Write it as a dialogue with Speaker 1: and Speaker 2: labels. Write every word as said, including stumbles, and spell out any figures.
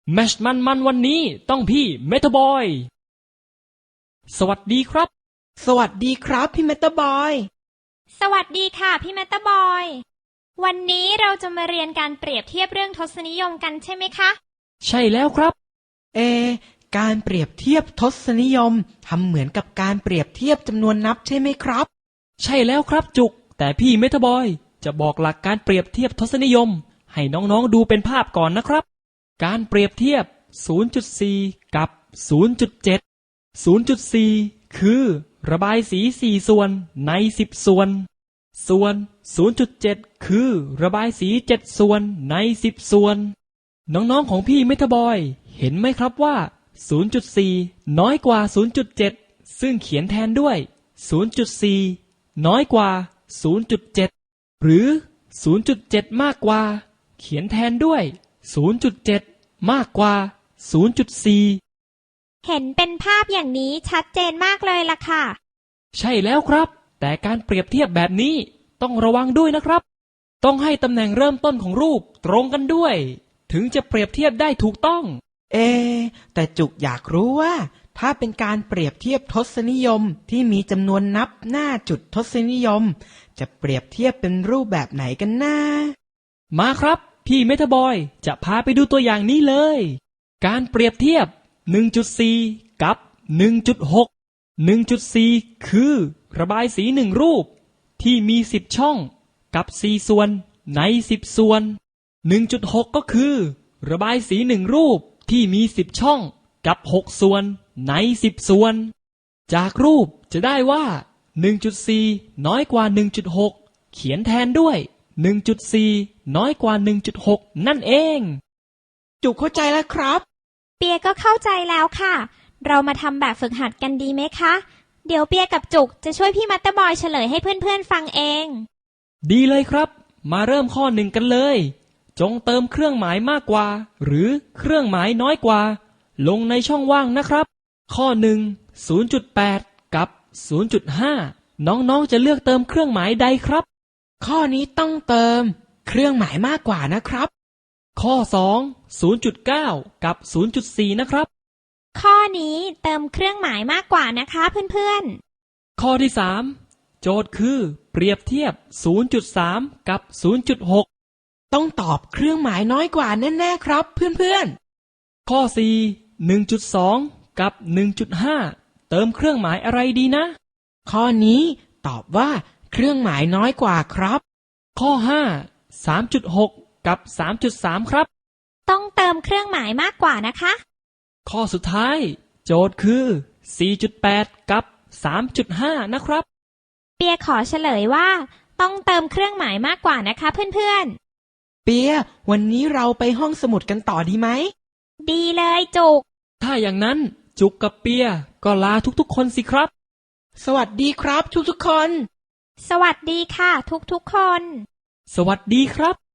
Speaker 1: แมชมันมันวันนี้ต้องพี่เมทาบอยสวัสดีครับ
Speaker 2: สวัสดีครับพี่เมตาบอย
Speaker 3: สวัสดีค่ะพี่เมตาบอยวันนี้เราจะมาเรียนการเปรียบเทียบเรื่องทศนิยมกันใช่ไหมคะ
Speaker 1: ใช่แล้วครับ
Speaker 2: เอการเปรียบเทียบทศนิยมทำเหมือนกับการเปรียบเทียบจำนวนนับใช่ไหมครับ
Speaker 1: ใช่แล้วครับจุกแต่พี่เมทาบอยจะบอกหลักการเปรียบเทียบทศนิยมให้น้องๆดูเป็นภาพก่อนนะครับการเปรียบเทียบ ศูนย์จุดสี่ กับ ศูนย์จุดเจ็ด ศูนย์จุดสี่ คือระบายสีสี่ส่วนในสิบส่วนส่วน ศูนย์จุดเจ็ด คือระบายสีเจ็ดส่วนในสิบส่วนน้องๆของพี่เมทาบอยเห็นไหมครับว่า ศูนย์จุดสี่ น้อยกว่า ศูนย์จุดเจ็ด ซึ่งเขียนแทนด้วย ศูนย์จุดสี่ น้อยกว่า ศูนย์จุดเจ็ด หรือ ศูนย์จุดเจ็ด มากกว่าเขียนแทนด้วย ศูนย์จุดเจ็ด มากกว่า ศูนย์จุดสี่
Speaker 3: เห็นเป็นภาพอย่างนี้ชัดเจนมากเลยล่ะค่ะ
Speaker 1: ใช่แล้วครับแต่การเปรียบเทียบแบบนี้ต้องระวังด้วยนะครับต้องให้ตำแหน่งเริ่มต้นของรูปตรงกันด้วยถึงจะเปรียบเทียบได้ถูกต้อง
Speaker 2: เอแต่จุกอยากรู้ว่าถ้าเป็นการเปรียบเทียบทศนิยมที่มีจำนวนนับหน้าจุดทศนิยมจะเปรียบเทียบเป็นรูปแบบไหนกันนะ
Speaker 1: มาครับพี่เมทาบอยจะพาไปดูตัวอย่างนี้เลยการเปรียบเทียบ หนึ่งจุดสี่ กับ หนึ่งจุดหก หนึ่งจุดสี่ คือระบายสีหนึ่งรูปที่มีสิบช่องกับสี่ส่วนในสิบส่วน หนึ่งจุดหก ก็คือระบายสีหนึ่งรูปที่มีสิบช่องกับหกส่วนในสิบส่วนจากรูปจะได้ว่า หนึ่งจุดสี่ น้อยกว่า หนึ่งจุดหก เขียนแทนด้วย หนึ่งจุดสี่ น้อยกว่า หนึ่งจุดหก นั่นเอง
Speaker 2: จุกเข้าใจแล้วครับ
Speaker 3: เปียก็เข้าใจแล้วค่ะเรามาทำแบบฝึกหัดกันดีไหมคะเดี๋ยวเปียกับจุกจะช่วยพี่มัตเตอร์บอยเฉลยให้เพื่อนๆฟังเอง
Speaker 1: ดีเลยครับมาเริ่มข้อหนึ่งกันเลยจงเติมเครื่องหมายมากกว่าหรือเครื่องหมายน้อยกว่าลงในช่องว่างนะครับข้อหนึ่ง ศูนย์จุดแปด กับ ศูนย์จุดห้า น้องๆจะเลือกเติมเครื่องหมายใดครับ
Speaker 2: ข้อนี้ต้องเติมเครื่องหมายมากกว่านะครับ
Speaker 1: ข้อสอง ศูนย์จุดเก้า กับ ศูนย์จุดสี่ นะครับ
Speaker 3: ข้อนี้เติมเครื่องหมายมากกว่านะคะเพื่อน
Speaker 1: ๆข้อที่สามโจทย์คือเปรียบเทียบ ศูนย์จุดสาม กับ ศูนย์จุดหก
Speaker 2: ต้องตอบเครื่องหมายน้อยกว่าแน่ๆครับเพื่อน
Speaker 1: ๆข้อสี่ หนึ่งจุดสอง กับ หนึ่งจุดห้า เติมเครื่องหมายอะไรดีนะ
Speaker 2: ข้อนี้ตอบว่าเครื่องหมายน้อยกว่าครับ
Speaker 1: ข้อห้า สามจุดหก กับ สามจุดสาม ครับ
Speaker 3: ต้องเติมเครื่องหมายมากกว่านะคะ
Speaker 1: ข้อสุดท้ายโจทย์คือ สี่จุดแปด กับ สามจุดห้า นะครับ
Speaker 3: เปียขอเฉลยว่าต้องเติมเครื่องหมายมากกว่านะคะเพื่อน
Speaker 2: ๆเปียวันนี้เราไปห้องสมุดกันต่อดีไหม
Speaker 3: ดีเลยจุก
Speaker 1: ถ้าอย่างนั้นจุกกับเปียก็ลาทุกๆคนสิครับ
Speaker 2: สวัสดีครับทุกๆคน
Speaker 3: สวัสดีค่ะทุกๆคน
Speaker 1: สวัสดีครับ